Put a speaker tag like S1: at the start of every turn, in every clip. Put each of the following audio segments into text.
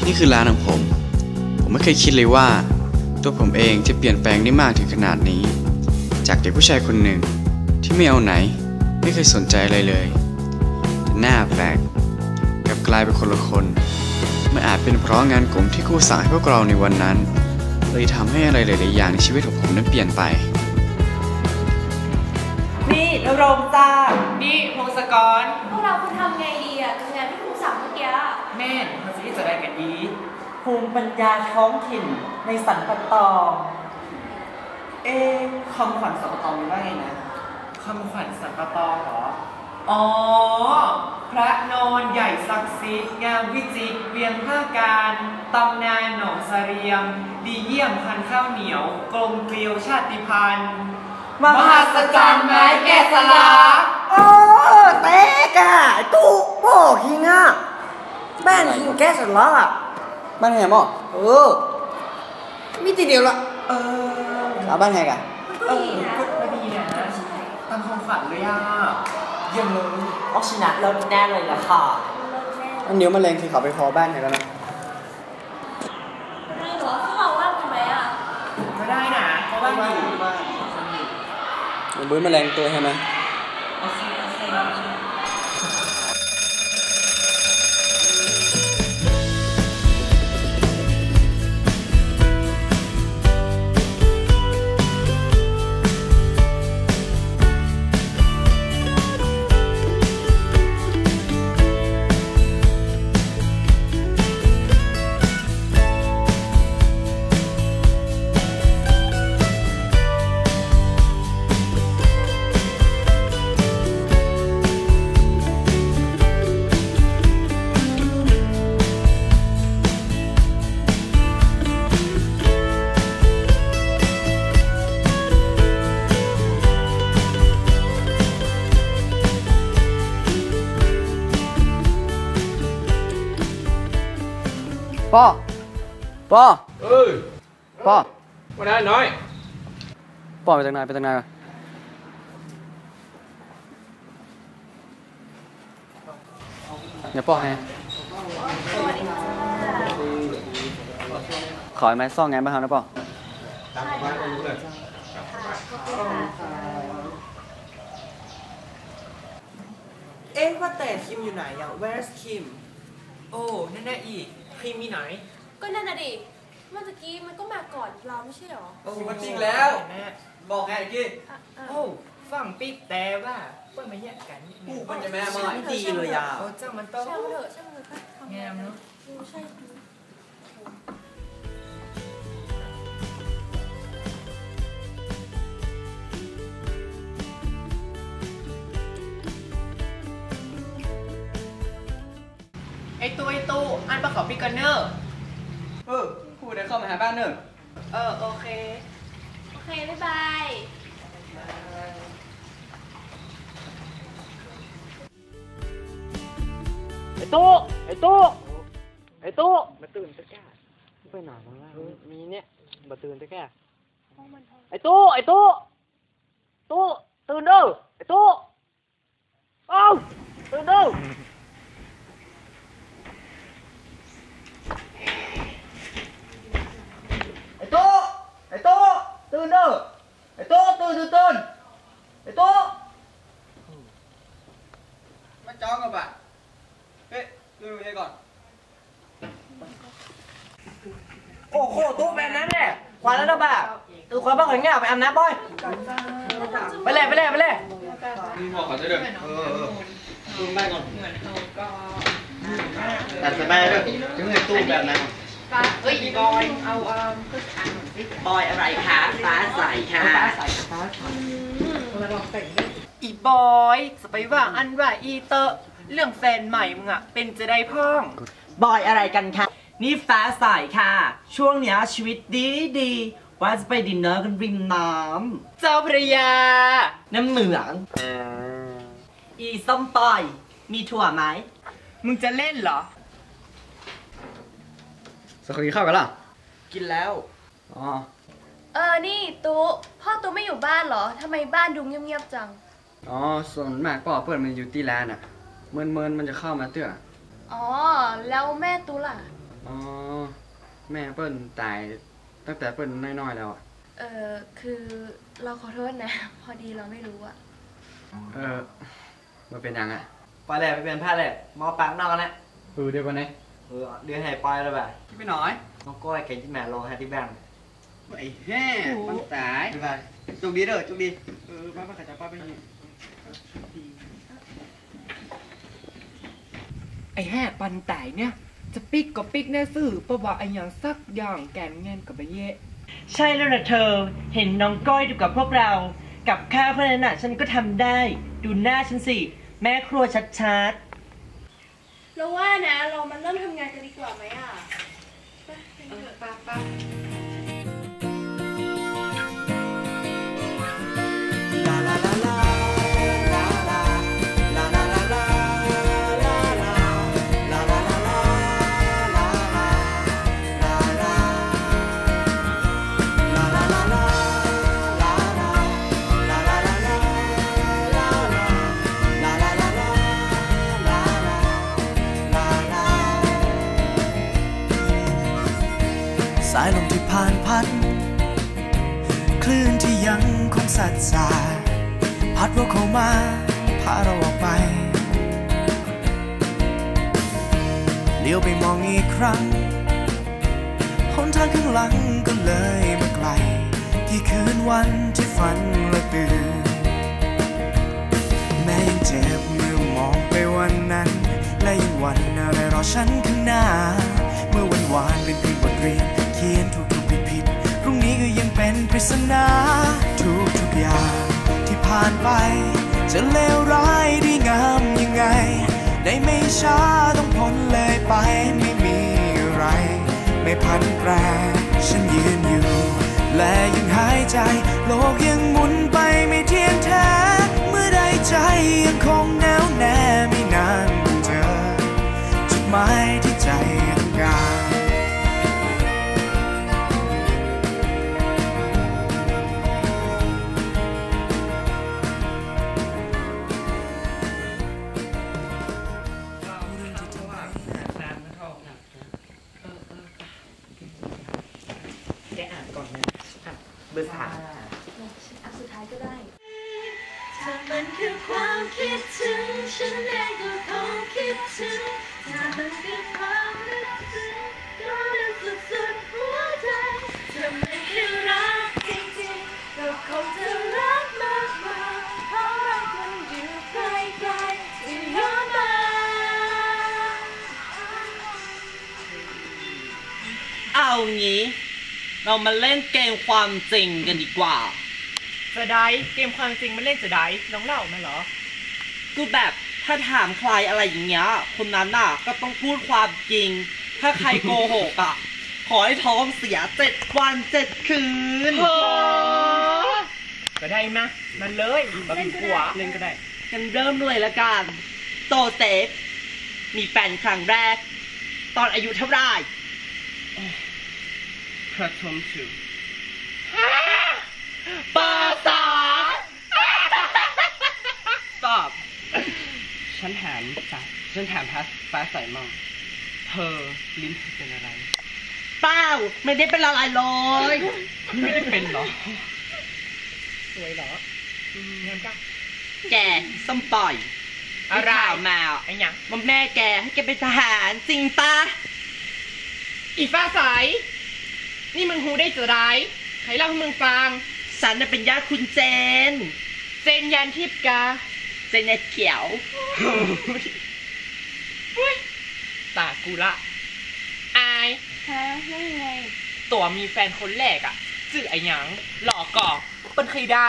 S1: นี่คือร้านของผมไม่เคยคิดเลยว่าตัวผมเองจะเปลี่ยนแปลงได้มากถึงขนาดนี้จากเด็กผู้ชายคนหนึ่งที่ไม่เอาไหนไม่เคยสนใจอะไรเลยแต่หน้าแปลกกลับกลายเป็นคนละคนมันอาจเป็นเพราะงานกลุ่มที่ครูสั่งให้พวกเราในวันนั้นเลยทำให้อะไรหลายๆอย่างในชีวิตของผมนั้นเปลี่ยนไป
S2: นี่นรงจ้า
S3: นี่พงศกร
S4: พวกเราควรทำไงดีอะกับงานที่ครูสั่งเมื่อกี้
S3: แม่นเขาจะได้กันอี
S2: ภูมิปัญญาท้องถิ่นในสรรปะตองคำขวัญสรรปะตองว่าไงนะ
S3: คำขวัญสรรปะตองเหรออ๋อพระนอนใหญ่ศักดิ์สิทธิ์งามวิจิตรเวียงท่าการตำนานหนองเสรียมดีเยี่ยมพันข้าวเหนียวกลมเกลียวชาติพันธุ์มหัศจรรย์ไม้แกะสลัก
S2: เต๊กอะตู้โป้คิงอะบ้านคิงแกะสลักอะ
S1: บ้านแฮมอ่ะ
S2: มีทีเดียวละ
S1: บ้านแฮกัน
S3: ก็ดีนะตามความฝันเลยอ่ะเยี่ยมเลย
S2: ออกชนะแล้วแน่เลยล่ะค่ะ
S1: อันเดี๋ยวมันแรงคือเขาไปพอบ้านแฮกันนะ
S4: ไม่หรอพวกเราว่างกันไหมอะ
S3: ไม่ได้นะเพราะว่าอยู่
S1: บื้อมันแรงตัวใช่ไหม
S3: โอเค
S1: ป้อป้อ
S3: วันนั้นน้อย
S1: ป้อไปทางไหนเดี๋ยวป้อให้ขอไม้ซ่องไงบ้างครับนะป้อ
S2: ว่าแต่คิมอยู่ไหนอ่ะ Where's Kim
S3: โอ้นั่นแน่อีกคิมมีไหน
S4: ก็นั่นน่ะดิเมื่อกี้มันก็มาก่อนเราไม่ใช่หรอ
S3: มันจริงแล้วบอกไงกี้โอ้ฝั่งปิ๊กแต่ว่าเพื่อนมาแยกกัน
S2: มันจะแม่มาดีเลยอ่ะ
S3: เจ้ามันต้อง
S4: ช่างเถอะ
S3: งามเนาะ
S4: ใช่
S3: ไอตู้อันประกอบปิ๊กกันเนอร์
S1: พูดได้เข้ามาหาบ้านเนอะ
S3: โอเค
S4: บ๊ายบาย
S3: ไอตู้มาตื่นตะแก่ไปหนาบ้างล่ะมีเนี่ยมาตื่นตะแก่ไอตู้ตื่นเด้อไอตู้ตื่นเด้อไอตู้ตื่นเด้อไอตู้ตื่นไอตู้
S1: มาจ้องกับบ่ะดูให้ก่อน
S2: โอ้โหตู้แบบนั้นแหละควันแล้วนะบ่าตื่นควันบ้างเหรอเนี่ยไปอาบน้ำบ่อยไปเลย
S1: นี่บอกเขาจะเดินดูแม่ก่อนตัดสบายด้วยถึงไอ้ตู้แบบนั้น
S3: บอยเอา
S2: บอยอะไรคะฟ้าใสค่ะ
S3: อีบอยจะไปว่าอันว่าอีเตอร์เรื่องแฟนใหม่มึงอะเป็นจะได้พ่อง
S2: บอยอะไรกันคะนี่ฟ้าใสค่ะช่วงเนี้ยชีวิตดีว่าจะไปดินเนอร์กันริมน้
S3: ำเจ้าพระยา
S2: น้ำเหมืองอีส้มปล่อยมีถั่วไหม
S3: มึงจะเล่นเหรอ
S1: สักคนกินข้าวกันล่ะ
S2: กินแล้ว
S4: นี่ตุ๊พ่อตุ๊ไม่อยู่บ้านเหรอทำไมบ้านดูเงียบๆจัง
S1: อ๋อส่วนมากพ่อเปิดมันอยู่ที่ร้านอ่ะเมินมันจะเข้ามาเตื้อ
S4: อ๋อแล้วแม่ตูล่ะ
S1: อ๋อแม่เปิ้ลตายตั้งแต่เปิ้ลน้อยๆแล้วอ่ะ
S4: คือเราขอโทษนะ พอดีเราไม่รู้อะ
S1: มันเป็นยังอ่ะ
S2: ไปเลยไปเป็นแพทย์เลยมอปากนอกกันนะ
S1: เดี๋ยวก่อนนะ
S2: เดือนให้ปล่อยแล้วแบบ
S1: ไปหน่อย
S2: น้องก้อยเก่งที่แม่โลให้ที่แบงค์
S1: ไอ้แห่มันตาย
S2: ไป
S1: จุกดีเด้อจุกดีป้าขจับป้าไปนี่
S3: ไอ้แห่ปันไตเนี่ยจะปิกก็ปิกแน่สื่อประวัติไอ้อย่างสักอย่างแกนเงินกับไปเยะใช่แล้วนะเธอเห็นน้องก้อยดูกับพวกเรากับข้าวเพื่อนน่ะฉันก็ทำได้ดูหน้าฉันสิแม่ครัวชัด
S4: เราว่านะเรามาเริ่มทำงานกันดีกว่าไหมอะไป
S5: สายลมที่ผ่านพัดคลื่นที่ยังคงสัดสายพัดเราเข้ามาพาเราออกไปเลี้ยวไปมองอีกครั้งหนทางข้างหลังก็เลยมาไกลที่คืนวันที่ฝันและตื่นแม้ยังเจ็บเมื่อมองไปวันนั้นและยังหวั่นอะไรรอฉันข้างหน้าเมื่อวันวานเป็นเพียงบทเรียนเขียนถูกผิดพรุ่งนี้ก็ยังเป็นปริศนาทุกอย่างที่ผ่านไปจะเลวร้ายดีงามยังไงได้ไม่ช้าต้องพ้นเลยไปไม่มีอะไรไม่พันแปรฉันยืนอยู่และยังหายใจโลกยังหมุนไปไม่เที่ยงแท้เมื่อใดใจยังคงแน่วแน่ไม่นานเจอจุดหมายที่ใจต้องการ
S3: แกอ่านก่อนนะเบอร์ 3
S4: อันสุดท้ายก็ได้ถ้ามันคือความคิดถึงฉันเองก็คงคิดถึงถ้ามันคือความนึกถึงก็นึกสุดหัวใจถ้ามันคือรักจริงๆก็คงจะรักมากกว่าเพราะเราคงอยู่ไกลๆจะย้อนมา
S6: เอางี้เรามาเล่นเกมความจริงกันดีกว่า
S3: จะได้เกมความจริงมันเล่นจะได้น้องเล่ามาเหรอ
S6: ก็แบบถ้าถามใครอะไรอย่างเงี้ยคนนั้นน่ะก็ต้องพูดความจริง ถ้าใครโกหกอ่ะ ขอให้ท้องเสีย7 วัน 7 คืน
S3: ก็ได้มามันเลยบะหมี่กัวเล่นก็ได้
S6: กันเริ่มเลยละกันโตเซฟมีแฟนครั้งแรก ตอนอายุเท่าไหร่ประถมถึงปาสาตอบฉันถามฟ้าใสมั่งเธอลิ้นเธอเป็นอะไรเปล่าไม่ได้เป็นอะไรเลยไม่ได้เป็นเหรอ
S3: สวยเหรอ งามก้า
S6: แกส้มปล่อย
S3: อะไร
S6: ข่าวมา
S3: ไอ้หยัง
S6: ว่าแม่แกให้แกเป็นทหารจริงปะ
S3: อีฟ้าใส นี่มึงหูได้จะได้ใครเล่าให้มึงฟัง
S6: ฉันน่ะเป็นญาติคุณเจน
S3: เจนยันทิพย์กา
S6: เจนเนี่ยเขียว
S3: ตากูละอาย
S4: ฮะแล้วยังไง
S3: ตัวมีแฟนคนแรกอ่ะชื่อไอ้หยังหลอกก่อเป็นใครได้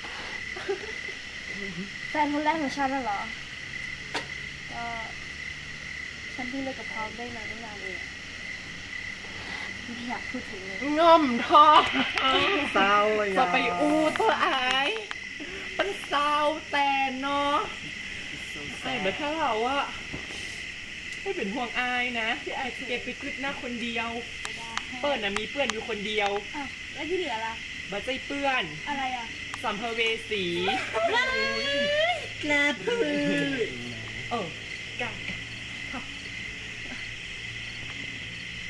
S4: แฟนคนแรกของฉันน่ะเหรอ ก็ฉันเพิ่งเลิกกับเขาได้นานเองไม่อยากพูดถึงเลย
S3: ง่อมทอ
S6: เศร้าเลย
S3: จะไปอู้ตัวอายเป็นเศร้าแต่เนาะไอ้เบอร์ถ้าเราอะไม่เป็นห่วงอายนะที่อายเก็บไปกึดหน้าคนเดียว เปิ้ลน่ะมีเพื่อนอยู่คนเดียว
S4: อ้าวแล้วที่เหลือล่ะ
S3: บัใจเปื้อน
S4: อะไรอ่ะ
S3: สัมภเวสี
S6: กล้าพูด
S3: เออกัน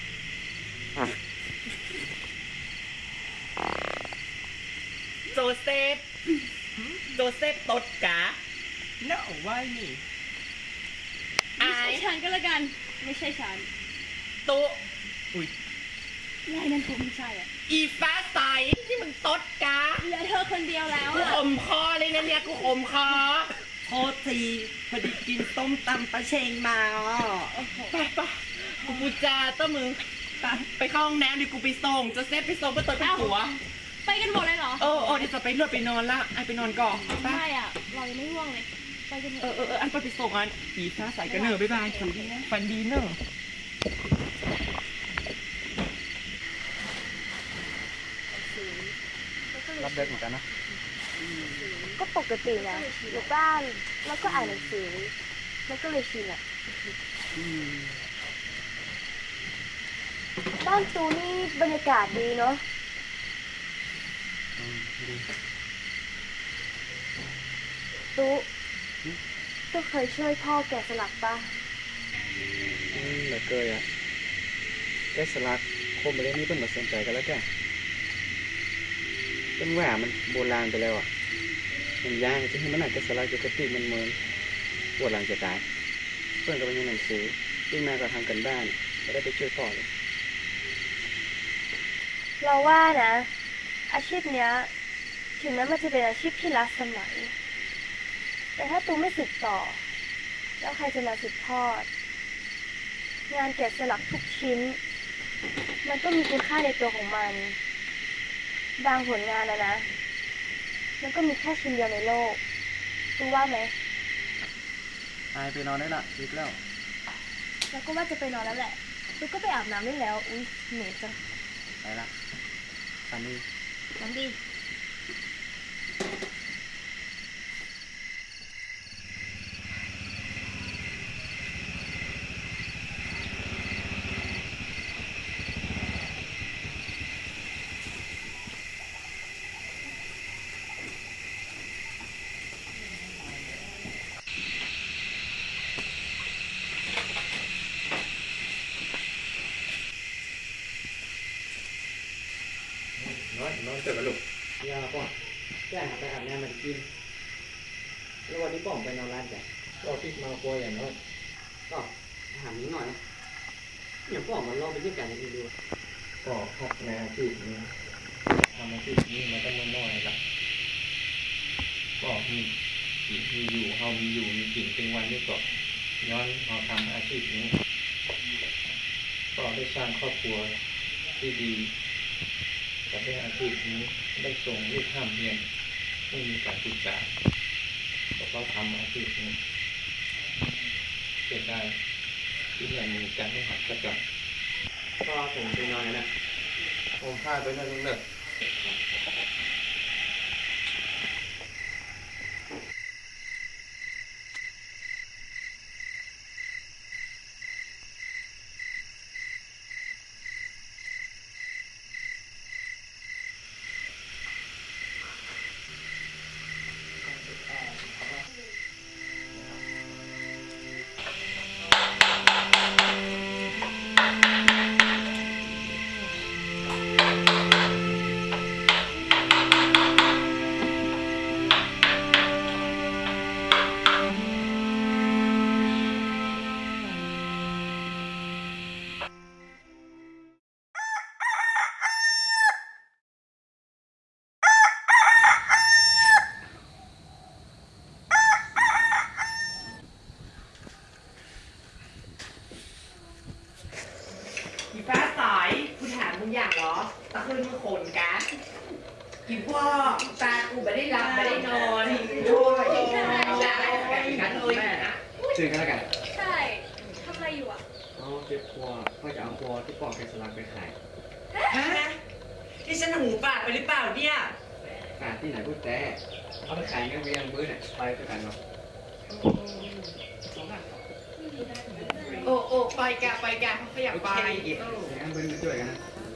S6: นี่
S4: ไม่ใช่ฉันก็แล้วกัน ไม่ใช่ฉัน
S6: ตุ๊อุ้ย
S4: ยายนั่นคงไม่ใช่อ่ะ
S6: อีฟ้าใสที่มึงตดกา
S4: เหลือเธอคนเดียวแล้ว
S6: กู
S4: อ่ะ
S6: อมคอเลยนะเนี่ยกูอมคอโทษทีพอดีกินต้มตำปลาเชงมาไปกูปูจาต้ามึงไปเข้าห้องน้ำดิกูไปส่งจะเซฟไปส่งก็ตัวเป็นผัว
S4: ไปกันหมดเลยเหรอ
S6: เออเดี๋ยวจะไปเลือดไปนอนละไอไปนอนก่อนไป
S4: ไม่อ่ะ เรายังไม่ง่วงเลย ไปกันเถอะ
S6: อันไปส่งอันอีฟ้าใสกันเนอะบ๊ายบายฝันดีเนอะ
S1: รับเด็กเหมือนกันนะ
S7: ก็ปกตินะอยู่บ้านแล้วก็อ่านหนังสือมันก็เลยชินอ่ะบ้านตูนี่บรรยากาศดีเนาะตูเคยช่วยพ่อแกะสลักปะ
S1: เหลือเกยอ่ะแกสลักคมไปเรื่องนี้เพิ่นมาสนใจกันแล้วแกเป็นแหวนมันโบราณไปแล้วอ่ะมันย่างจะให้มันหนักแกสลักจะกระติกมันเมินปวดหลังจะตายเพื่อนก็ไปเรียนหนังสือยิ่งแม่ก็ทำกันบ้านก็ได้ไปช่วยพ่อเลย
S7: เราว่านะอาชีพเนี้ยถึงแม้มันจะเป็นอาชีพที่ล้าสมัยแต่ถ้าตูไม่สืบต่อแล้วใครจะมาสืบทอดงานแกะสลักทุกชิ้นมันก็มีคุณค่าในตัวของมันบางผลงานนะมันก็มีแค่ชิ้นเดียวในโลกตูว่าไหม
S1: ตายไปนอนได้ละดึกแล้ว
S7: แล้วก็ว่าจะไปนอนแล้วแหละตูก็ไปอาบน้ำได้แล้วอุ๊ยเหนื่อยจัง
S1: ไปละฝันดี
S7: น้ำดี
S1: น้องเกิดมาลูกยาป่ะแจ้งไปอาบน้ำมันกินแล้ววันนี้ป่องไปนอนร้านจ้ะก็ติดมาป่วยอย่างนั้นก็ถามนิดหน่อยนะอย่างป่องมันลองไปที่กันดูก็พักในอาชีพนี้ทำอาชีพนี้มาตั้งน้อยละก็มีอยู่เฮามีอยู่มีกินเป็นวันนี้ก็ย้อนเราทำอาชีพนี้ก็ได้สร้างครอบครัวที่ดีกับได้อาชีพนี้ได้ส่งลูกข้ามเรียนไม่มีการศึกษาก็ทำอาชีพนี้เกิดได้ที่ยังมีการให้หัดประจำก็ผมไปนอนนะผมพาไปนอนเลิก
S3: อีฟ้าใสกูถามมึงอย่างเหรอตะคืนมึงขนกะอีพ่อตากูไม่ได้หลับไม่ได้นอนด้วยได้กันเลยนะ
S1: เจอกันแล้วกัน
S4: ใช่ทำอะไรอยู่อ่ะ
S1: เอาเก็บครัวก็จะเอาครัวที่ปอกแกสลักไปขาย
S3: ฮะที่ฉันหูปากไปหรือเปล่าเนี่ย
S1: ขายที่ไหนพูดแต่เอาไปขายกันไปยังมื้อเนี่ยไปด้วยกันเนาะ
S3: โอ้ไปกะเขาอยากไป
S1: งั้นเบิ้ลไปช่วยกันนะ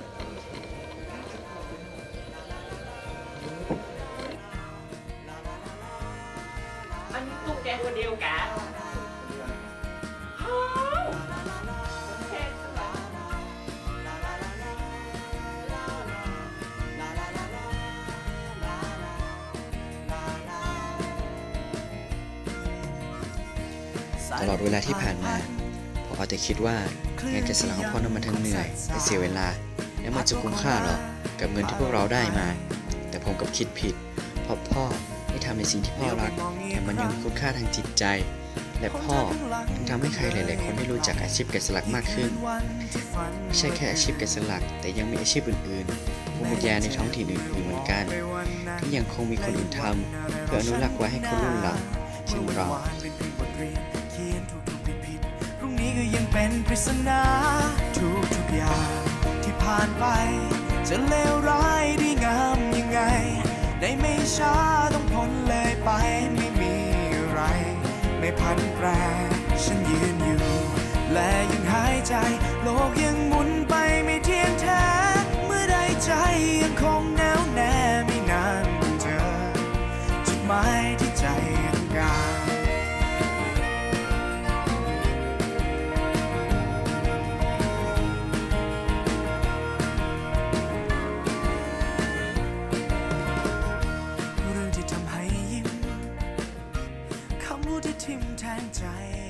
S3: อันนี้ตุ๊กแกคนเดียวกะ
S1: ตลอดเวลาที่ผ่านมาผมเอาแต่คิดว่างานแกะสลักของพ่อนั้นมันทั้งเหนื่อยและเสียเวลาและมันจะคุ้มค่าหรอกับเงินที่พวกเราได้มาแต่ผมกับคิดผิดเพราะพ่อได้ทำในสิ่งที่พ่อรักแต่มันยังมีคุณค่าทางจิตใจและพ่อถึงทำให้ใครหลายๆคนได้รู้จักอาชีพแกะสลักมากขึ้นไม่ใช่แค่อาชีพแกะสลักแต่ยังมีอาชีพอื่นๆภูมิปัญญาในท้องถิ่นอื่นๆเหมือนกันที่ยังคงมีคนอื่นทำเพื่ออนุรักษ์ไว้ให้คนรุ่นหลังเช่นเรา
S5: พรุ่งนี้ก็ยังเป็นปริศนาทุกอย่างที่ผ่านไปจะเลวร้ายดีงามยังไงในไม่ช้าต้องพ้นเลยไปไม่มีอะไรไม่พันแปรฉันยืนอยู่และยังหายใจโลกยังหมุนไปไม่เที่ยงแท้เมื่อใดใจยังคงแน่วแน่ไม่นานเจอจุดหมายที่ใจต้องการเรื่องที่ทำให้ยิ้มคำพูดที่ทิ่มแทงใจ